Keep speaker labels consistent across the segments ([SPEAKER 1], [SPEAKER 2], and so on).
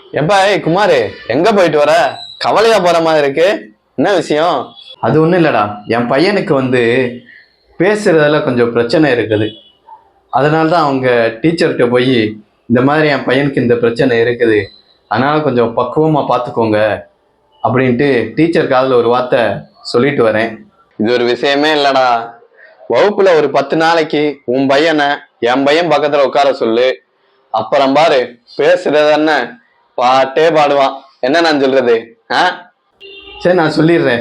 [SPEAKER 1] எப்பா ஏய் குமாரு, எங்க போயிட்டு வர? கவலையா போற மாதிரி இருக்கு. என்ன விஷயம்?
[SPEAKER 2] அது ஒன்றும் இல்லைடா. என் பையனுக்கு பேசுறதுல கொஞ்சம் பிரச்சனை இருக்குது. அதனால தான் அவங்க டீச்சர்கிட்ட போய் இந்த மாதிரி என் பையனுக்கு இந்த பிரச்சனை இருக்குது, அதனால கொஞ்சம் பக்குவமாக பார்த்துக்கோங்க அப்படின்ட்டு டீச்சர் காதில் ஒரு வார்த்தை சொல்லிட்டு வரேன்.
[SPEAKER 1] இது ஒரு விஷயமே இல்லடா. வகுப்புல ஒரு 10 நாளைக்கு உன் பையனை என் பையன் பக்கத்துல உட்கார சொல்லு. அப்புறம் பாரு, பேசுறது என்ன பாட்டே பாடுவான். என்ன நான் சொல்றது?
[SPEAKER 2] சரி, நான் சொல்லிடுறேன்.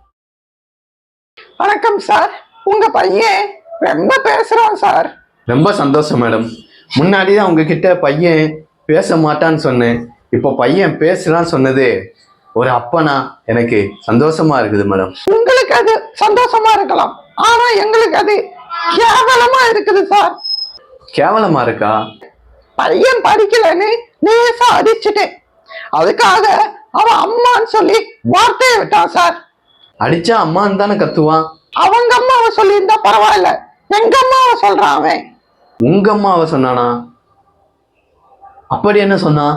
[SPEAKER 3] வணக்கம் சார், உங்க பையன் ரொம்ப பேசுறான் சார்.
[SPEAKER 2] ரொம்ப சந்தோஷம் மேடம். முன்னாடி தான் உங்ககிட்ட பையன் பேச மாட்டான்னு சொன்னேன். இப்போ பையன் பேசுறான்னு சொன்னது ஒரு அப்பனா எனக்கு சந்தோஷமா இருக்குது மேடம்.
[SPEAKER 3] உங்களுக்கு அது சந்தோஷமா இருக்கலாம், ஆனா எங்களுக்கு அது கேவலமா இருக்குது சார்.
[SPEAKER 2] கேவலமா இருக்கா?
[SPEAKER 3] பையன் படிக்கலன்னு நேசா அடிச்சுட்டேன். அதுக்காக அவன் அம்மான்னு சொல்லி வார்த்தையை விட்டான் சார்.
[SPEAKER 2] அடிச்சா அம்மான்னு தானே கத்துவான்.
[SPEAKER 3] அவங்க அம்மாவை சொல்லியிருந்தா பரவாயில்ல, எங்க அம்மாவை சொல்றான் அவன்.
[SPEAKER 2] உங்க அம்மாவை சொன்னானா? அப்படி என்ன சொன்னா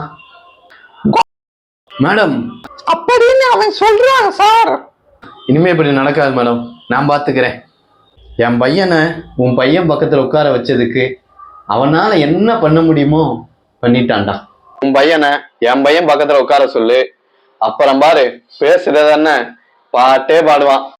[SPEAKER 2] மேடம்?
[SPEAKER 3] அப்படின்னு அவன் சொல்றான் சார்.
[SPEAKER 2] இனிமே இப்படி நடக்காது மேடம், நான் பாத்துக்கிறேன். என் பையனை உன் பையன் பக்கத்துல உட்கார வச்சதுக்கு அவனால என்ன பண்ண முடியுமோ பண்ணிட்டான்டா.
[SPEAKER 1] உன் பையனை என் பையன் பக்கத்துல உட்கார சொல்லு. அப்புறம் பாரு, பேசுறது என்ன பாட்டே பாடுவான்.